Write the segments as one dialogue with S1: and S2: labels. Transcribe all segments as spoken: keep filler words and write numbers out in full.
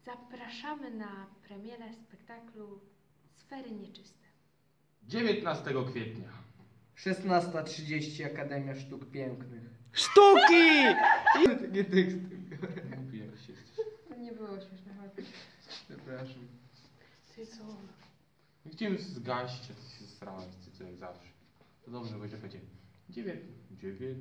S1: Zapraszamy na premierę spektaklu Sfery Nieczyste.
S2: dziewiętnastego kwietnia.
S3: szesnasta trzydzieści Akademia Sztuk Pięknych.
S4: Sztuki!
S3: Nie tekst.
S2: Głupi jakiś jesteś.
S1: To nie było śmieszne, chodź.
S3: Przepraszam.
S1: Ty co?
S2: Chciałem zgaść, a ty się zesrałeś, ty co jak zawsze. To dobrze, będzie będzie. Dziewięć... Dziewięć...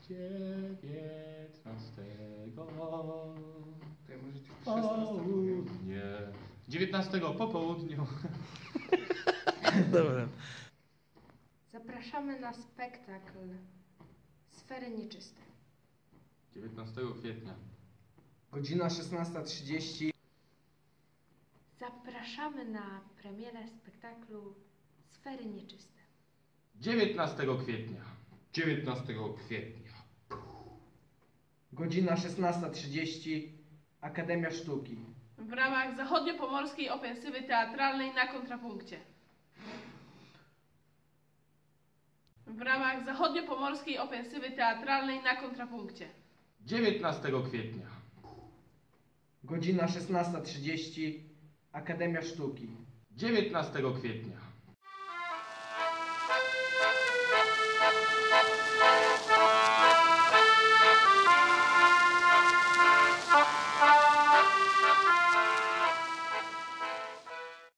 S2: Dziewiętnastego...
S3: To ja może tylko szesnasta powiem.
S2: Nie. dziewiętnastego po południu.
S4: Dobra.
S1: Zapraszamy na spektakl Sfery Nieczyste.
S2: dziewiętnastego kwietnia.
S3: Godzina szesnasta trzydzieści.
S1: Zapraszamy na premierę spektaklu Sfery Nieczyste.
S2: dziewiętnastego kwietnia. dziewiętnastego kwietnia.
S3: Godzina szesnasta trzydzieści Akademia Sztuki.
S5: W ramach zachodniopomorskiej ofensywy teatralnej na kontrapunkcie. W ramach zachodniopomorskiej ofensywy teatralnej na kontrapunkcie.
S2: dziewiętnastego kwietnia.
S3: Godzina szesnasta trzydzieści Akademia Sztuki.
S2: dziewiętnastego kwietnia.